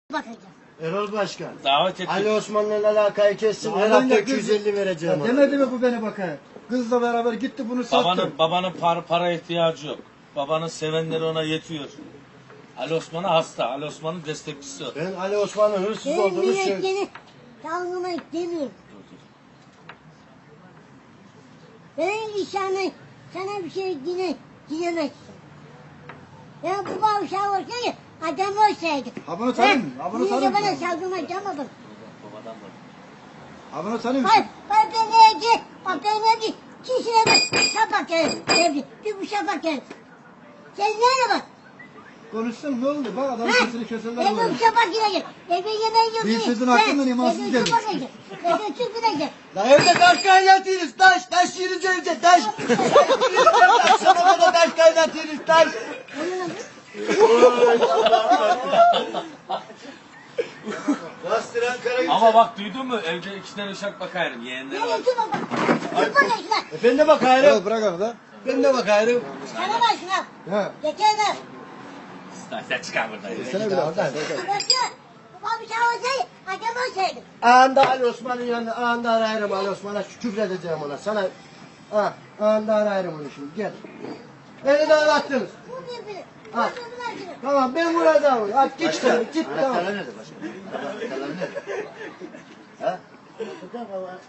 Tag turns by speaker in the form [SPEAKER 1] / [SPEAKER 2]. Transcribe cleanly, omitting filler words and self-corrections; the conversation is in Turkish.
[SPEAKER 1] bakacağım.
[SPEAKER 2] Erol Başkan.
[SPEAKER 3] Davet ettim.
[SPEAKER 2] Ali Osman'la alakayı kessin. Her hafta 250 vereceğim ona.
[SPEAKER 4] Demedi mi bu beni bakar? Kızla beraber gitti bunu sattı.
[SPEAKER 3] Babanın para ihtiyacı yok. Babanın sevenleri ona yetiyor. Ali Osman'a hasta. Ali Osman'ın destekçisi o.
[SPEAKER 2] Ben Ali Osman'ın hırsız olduğunu söylüyorum.
[SPEAKER 1] Yürekleri dalgımak demiyorum. Benim işime sana bir şey dilemezsin. Ya bu bağışa olsaydı adam olsaydı.
[SPEAKER 4] Ha bunu tanıyor musun? Ha bunu
[SPEAKER 1] Niye
[SPEAKER 4] tanıyor
[SPEAKER 1] de bana
[SPEAKER 4] musun?
[SPEAKER 1] saldırmayacağım.
[SPEAKER 3] Babadan var.
[SPEAKER 4] Ha bunu tanıyor
[SPEAKER 1] Bak,
[SPEAKER 4] musun?
[SPEAKER 1] bak ben evde kişiye bak, şapak evde, bir bu şapak evde. Sen nereye bak?
[SPEAKER 4] Konuşsun ne oldu? Bak adam sesini keserler
[SPEAKER 1] Ben
[SPEAKER 4] böyle.
[SPEAKER 1] bu şapak yiyecek, eve yemeği yok.
[SPEAKER 4] Bir sözün hakkından imansız gelmiş.
[SPEAKER 1] Ben de çıkmayacağım.
[SPEAKER 2] La evde taş kaynatıyoruz taş. Taş yiyince önce taş. Akşama kadar taş kaynatıyoruz taş. Bastıran kara
[SPEAKER 3] Ama bak duydun mu? Evde 2 tane uşak bakayım. Yeğenleri var.
[SPEAKER 1] Nereye çıkma bak. Çıkma geçme.
[SPEAKER 2] Ben de bakayım.
[SPEAKER 4] Evet bırak onu da.
[SPEAKER 2] Ben de bakayım.
[SPEAKER 1] Sana bak şuna.
[SPEAKER 4] Ha.
[SPEAKER 1] Geçene.
[SPEAKER 3] Sen çıkar buradan.
[SPEAKER 4] Sene bile oradan.
[SPEAKER 1] Başka. Babam bir şey olsaydı, adam olsaydı.
[SPEAKER 2] Anında Ali Osman'ın yanında. Anında arayırım Ali Osman'a. Küfür edeceğim ona. Sana. Ha. Anında arayırım onu şimdi. Gel. Beni de arattınız.
[SPEAKER 1] Bu birbirini.
[SPEAKER 2] Ha.
[SPEAKER 1] Başka bir
[SPEAKER 2] Tamam ben vuracağım. Hadi git sen. Git tamam.
[SPEAKER 5] Anahtarlar nerede başka? Anahtarlar nerede? Ha?